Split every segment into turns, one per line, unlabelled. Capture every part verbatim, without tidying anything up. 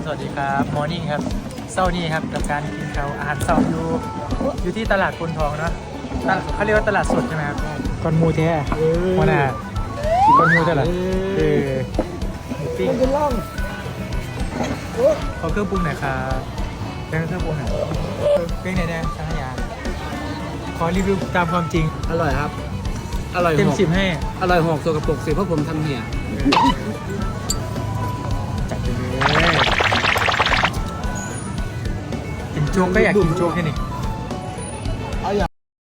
สวัสดีครับมอร์นิ่งครับเช้านี้ครับกับการกินข้าวอาหารเช้าอยู่อยู่ที่ตลาดคนทองเนาะตลาดเขาเรียกว่าตลาดสดใช่ไหมครับก้อนหมูแท้หัวหน้าก้อนหมูตลาดเออหมูปิ้งขอเครื่องปรุงหน่อยครับเป็นเครื่องปรุงหน่อยเป็นไงแน่สังขยาขอรีวิวตามความจริง
อร่อยครับ อร่อย
เต็ม
หก
สิบให้
อร่อยหกตัวกระปุกสิเพราะผมทำเหี่ย
จัดไปเลยกินโจ๊กก็อยากกินโจ๊กแค่นี้
เอาอย่าง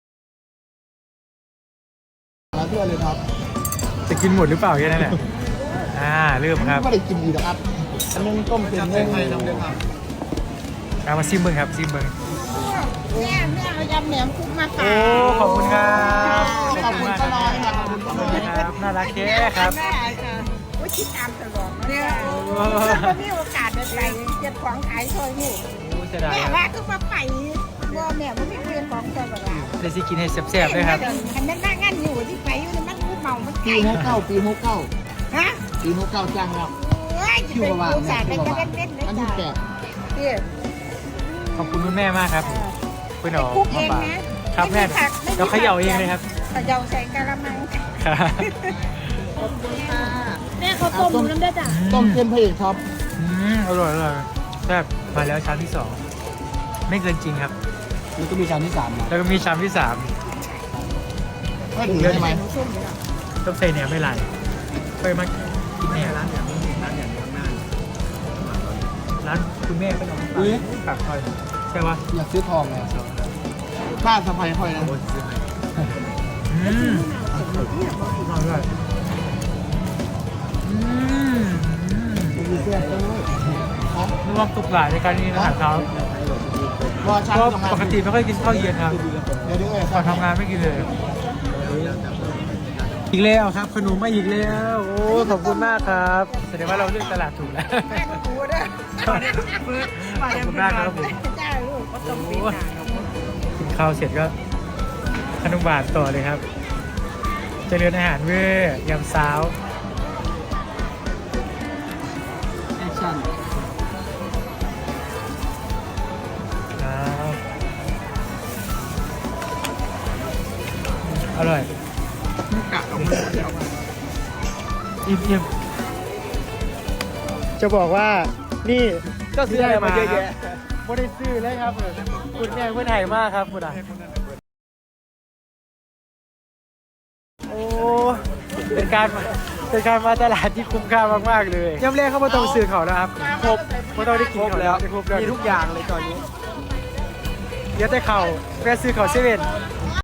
ละเพื่อนเลยครับ
จะกินหมดหรือเปล่าแค่นั้นแหละอ่าเริ่มครับ
ไม่ได้กินดีหรอกครับอันนึงต้มเป็นเนื้อ
เอามาซิมเบิ้งครับซิมเบิ้ง
แม่แม่เอายำแหนมคุกมาฝา
โอ้
ก
ขอบคุณครับ
ขอบคุณ
มาก
ก็
ค
น้
รั
อบ ยครับขอบคุณก็
ข
น้
อบ
อ
คุ
ย
ณครับน่ารักแค่ครับ
แม่ค่ะว่าคิดตามตลอดเนี่ยถ้ามีโอกาสได้ไปเก็บของขายซอยนี่
โอ้เสียดาย
แม่
ครับ
ว่าก็มาไปว่าแม่ว่าไม่เรียนของซอยแบบนั้น
เดี๋ยวสิกินให้แซ่บๆเลยครับ
คันนั้นนั่งงานอยู่ที่ไปอยู่ในมันงูเมามัน
ปี
ไก่
หกเก้าปีหกเก้า
ฮะ
ปีหกเก้าจ้างแล้ว
เอ้ยจะ
คิว
เป็น
ประมาณ
ผู้
เนี่
ชาย ย
คิ
เป็น
วประ
ก
มา
ระ
ณ
เด็นเด็น
อันที่แปด
เนี่ย
ขอบคุณคุณแม่มากครับเพื่อนเอา
คุกเอ
มาง ฝาก
นะครับ
แม่เราเขย่าเองเลยครับ
เขย่าใส่กะละมัง
ครับ
ขอบคุณค่ะแม่เขาต้มน้ำได้จ้ะ
ต้มเค็มพระเอกท็อป
อืมอร่อยอร่อยแซ่บมาแล้วชามที่สองไม่เกินจริงครับ
มันก็มีชามที่สามนะ
แล้วก็มีชามที่สาม
ไม่ถึงได้ไหม
ต้องใส่เนี่ยไม่ไหลไปมากินเนี่ยร้านเนี่ยร้านเนี่ยข้างหน้าร้านคุณแม่ก็นอนฝากฝากคอยใช่ปะ
อยากซื้อทองเลยป้าสะพายค่อยนะ
อืมอร่อยด้วยอืม
มีเสื้อเจ้าครับ
นึกว่าตุกหลายในการกินอาหารเช้าร
อชั้น
ก็
ตรงนั้น
ปกติไม่ค่อยกินข้าวเย็นครับ
เดี๋ยวเดี๋ยวเอ้ย
ก่อนทำงานไม่กินเลย อีกแล้วครับขนมมาอีกแล้วโอ้ขอบคุณมากครับแสดงว่าเราเลือกตลาดถูกแล้ว
แม่ก็กูด้วย
ขอบคุณมากครับผม
จ้าลูกก็ต้องปีน
กินข้าวเสร็จก็ขนมหวานต่อเลยครับ เจริญอาหารเว้ยยำซาว
แอคชั่น
ครับอร่อย
กะออกมาเดี๋ยว
อิ่มอิ่มจะบอกว่านี่
ก็ซื้ออะไรมาเยอะแยะ
ไม่ได้ซื้อเลยครับคุณแม่เพื่อนไทยมากครับคุณอ่ะโอ้เป็นการเป็นการมาตลาดที่คุ้มค่ามากๆเลยย่ำแรกเข้ามาต้องซื้อเขานะครับครบไม่ต้องได้กินเขาแล้วครบแล้ว
มีทุกอย่างเลยตอนนี้
เดี๋ยวแต่เขาแวะซื้อเขาเซเว่น